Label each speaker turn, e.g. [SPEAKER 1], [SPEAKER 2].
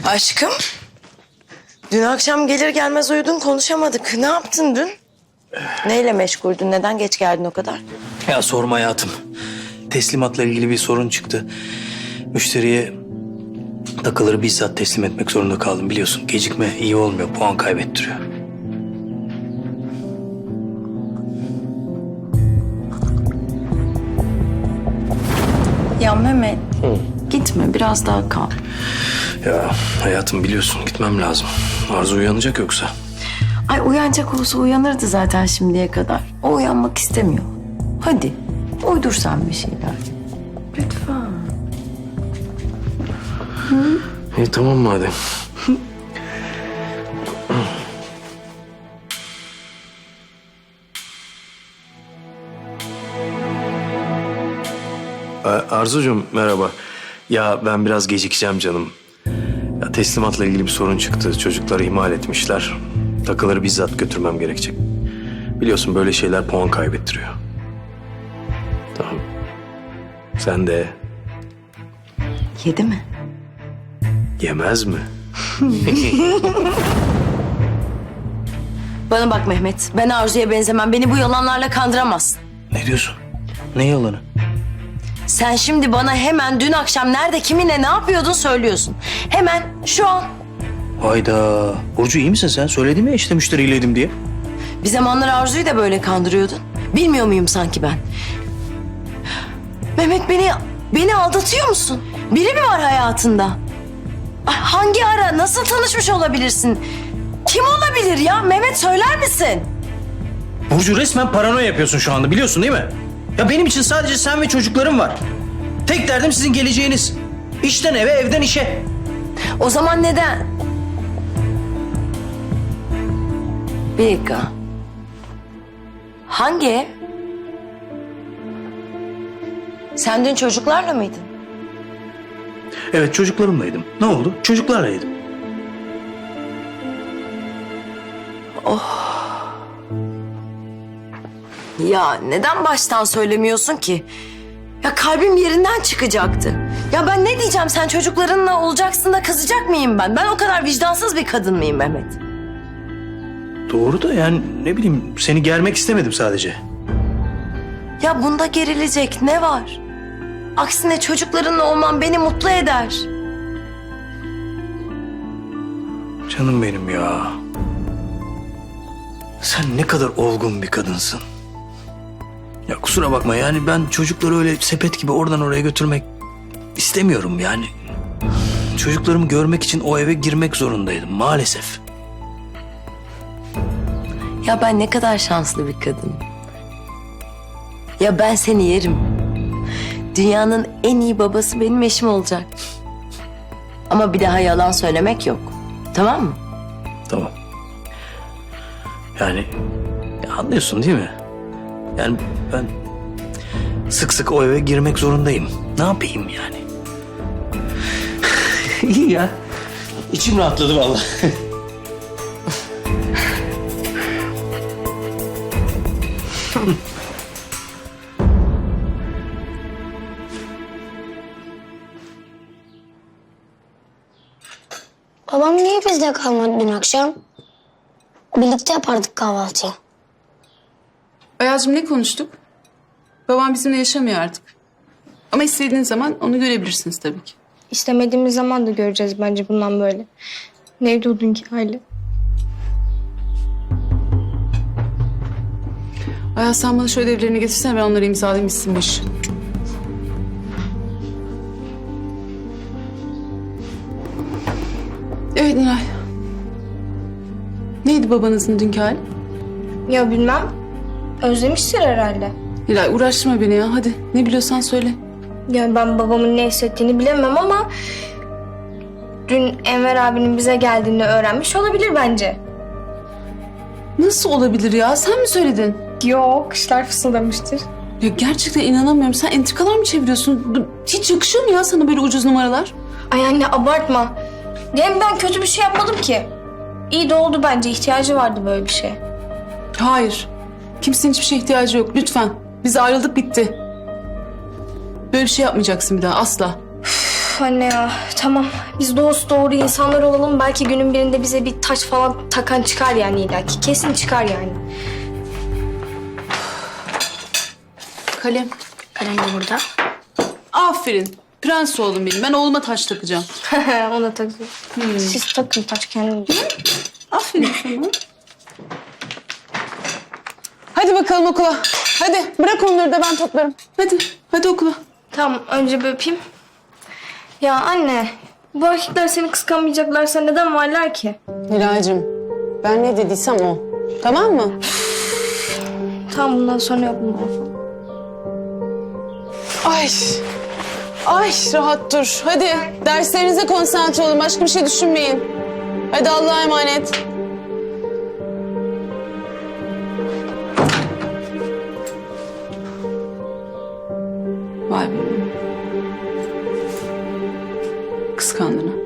[SPEAKER 1] Aşkım, dün akşam gelir gelmez uyudun, konuşamadık. Ne yaptın dün? Neyle meşguldün? Neden geç geldin o kadar?
[SPEAKER 2] Ya sorma hayatım. Teslimatla ilgili bir sorun çıktı. Müşteriye takıları bizzat teslim etmek zorunda kaldım. Biliyorsun gecikme iyi olmuyor, puan kaybettiriyor.
[SPEAKER 1] Ya Mehmet, gitme, biraz daha kal.
[SPEAKER 2] Ya hayatım biliyorsun gitmem lazım. Arzu uyanacak yoksa.
[SPEAKER 1] Ay uyanacak olsa uyanırdı zaten şimdiye kadar. O uyanmak istemiyor. Hadi, uydur sen bir şeyler. Lütfen.
[SPEAKER 2] İyi tamam madem. Arzucuğum merhaba. Ya ben biraz gecikeceğim canım. Ya teslimatla ilgili bir sorun çıktı. Çocukları ihmal etmişler. Takıları bizzat götürmem gerekecek. Biliyorsun böyle şeyler puan kaybettiriyor. Tamam. Sen de
[SPEAKER 1] Yedi mi?
[SPEAKER 2] yemez mi?
[SPEAKER 1] Bana bak Mehmet, ben Arzu'ya benzemem. Beni bu yalanlarla kandıramazsın.
[SPEAKER 2] Ne diyorsun? Ne yalanı?
[SPEAKER 1] Sen şimdi bana hemen dün akşam nerede, kiminle, ne yapıyordun söylüyorsun. Hemen, şu an.
[SPEAKER 2] Hayda. Burcu iyi misin sen? Söyledim ya işte müşteriyleydim diye.
[SPEAKER 1] Bir zamanlar Arzu'yu da böyle kandırıyordun. Bilmiyor muyum sanki ben? Mehmet beni aldatıyor musun? Biri mi var hayatında? Ay, hangi ara, nasıl tanışmış olabilirsin? Kim olabilir ya? Mehmet söyler misin?
[SPEAKER 2] Burcu resmen paranoya yapıyorsun şu anda biliyorsun değil mi? Ya benim için sadece sen ve çocuklarım var. Tek derdim sizin geleceğiniz. İşten eve, evden işe.
[SPEAKER 1] O zaman neden? Bir dakika. Hangi ev? Sen dün çocuklarla mıydın?
[SPEAKER 2] Evet çocuklarımlaydım. Ne oldu? Çocuklarlaydım.
[SPEAKER 1] Ya neden baştan söylemiyorsun ki? Ya kalbim yerinden çıkacaktı. Ya ben ne diyeceğim, sen çocuklarınla olacaksın da kızacak mıyım ben? Ben o kadar vicdansız bir kadın mıyım Mehmet?
[SPEAKER 2] Doğru da yani ne bileyim seni germek istemedim sadece.
[SPEAKER 1] Ya bunda gerilecek ne var? Aksine çocuklarınla olman beni mutlu eder.
[SPEAKER 2] Canım benim ya. Sen ne kadar olgun bir kadınsın. Ya kusura bakma yani ben çocukları öyle sepet gibi oradan oraya götürmek istemiyorum yani. Çocuklarımı görmek için o eve girmek zorundaydım maalesef.
[SPEAKER 1] Ya ben ne kadar şanslı bir kadınım. Ya ben seni yerim. Dünyanın en iyi babası benim eşim olacak. Ama bir daha yalan söylemek yok. Tamam mı?
[SPEAKER 2] Tamam. Yani ya anlıyorsun değil mi? Yani ben sık sık o eve girmek zorundayım. Ne yapayım yani? İyi ya. İçim rahatladı vallahi.
[SPEAKER 3] Babam niye bizde kalmadı dün akşam? Birlikte yapardık kahvaltıyı.
[SPEAKER 4] Ayaz'cığım ne konuştuk? Babam bizimle yaşamıyor artık. Ama istediğiniz zaman onu görebilirsiniz tabii ki.
[SPEAKER 5] İstemediğimiz zaman da göreceğiz bence bundan böyle. Neydi o dünkü hali?
[SPEAKER 4] Ayaz sen bana şu ödevlerini getirsene, ben onları imzalayayım bitsin bu iş. Evet Nilay. Neydi babanızın dünkü hali?
[SPEAKER 5] Ya bilmem. Özlemiştir herhalde.
[SPEAKER 4] Nilay uğraştırma beni ya, hadi. Ne biliyorsan söyle.
[SPEAKER 5] Yani ben babamın ne hissettiğini bilemem ama... Dün Enver abinin bize geldiğini öğrenmiş olabilir bence.
[SPEAKER 4] Nasıl olabilir ya? Sen mi söyledin?
[SPEAKER 5] Yok, kışlar fısıldamıştır.
[SPEAKER 4] Ya gerçekten inanamıyorum. Sen entrikalar mı çeviriyorsun? Hiç yakışıyor mu ya sana böyle ucuz numaralar?
[SPEAKER 5] Ay anne abartma. Hem ben kötü bir şey yapmadım ki. İyi de oldu bence. İhtiyacı vardı böyle bir şey.
[SPEAKER 4] Hayır. Kimsenin hiçbir şeye ihtiyacı yok. Lütfen. Biz ayrıldık bitti. Böyle bir şey yapmayacaksın bir daha asla.
[SPEAKER 5] Üf anne ya. Tamam. Biz dost doğru insanlar olalım. Belki günün birinde bize bir taç falan takan çıkar yani illaki. Kesin çıkar yani.
[SPEAKER 4] Kalem.
[SPEAKER 5] Kalem de burada.
[SPEAKER 4] Aferin. Prens oğlum benim. Ben oğluma taç takacağım.
[SPEAKER 5] Ona takıyor. Siz takın taç kendinize.
[SPEAKER 4] Aferin sana.
[SPEAKER 6] Hadi bakalım okula. Hadi bırak onları da ben toplarım.
[SPEAKER 4] Hadi. Hadi okula.
[SPEAKER 5] Tamam önce bir öpeyim. Ya anne. Bu erkekler seni kıskanmayacaklarsa neden varlar ki?
[SPEAKER 6] Nilay'cığım ben ne dediysem o. Tamam mı?
[SPEAKER 5] Tamam bundan sonra yok bundan sonra.
[SPEAKER 6] Ay. Ay rahat dur. Hadi derslerinize konsantre olun. Başka bir şey düşünmeyin. Hadi Allah'a emanet.
[SPEAKER 4] Vay be. Kıskandın ha.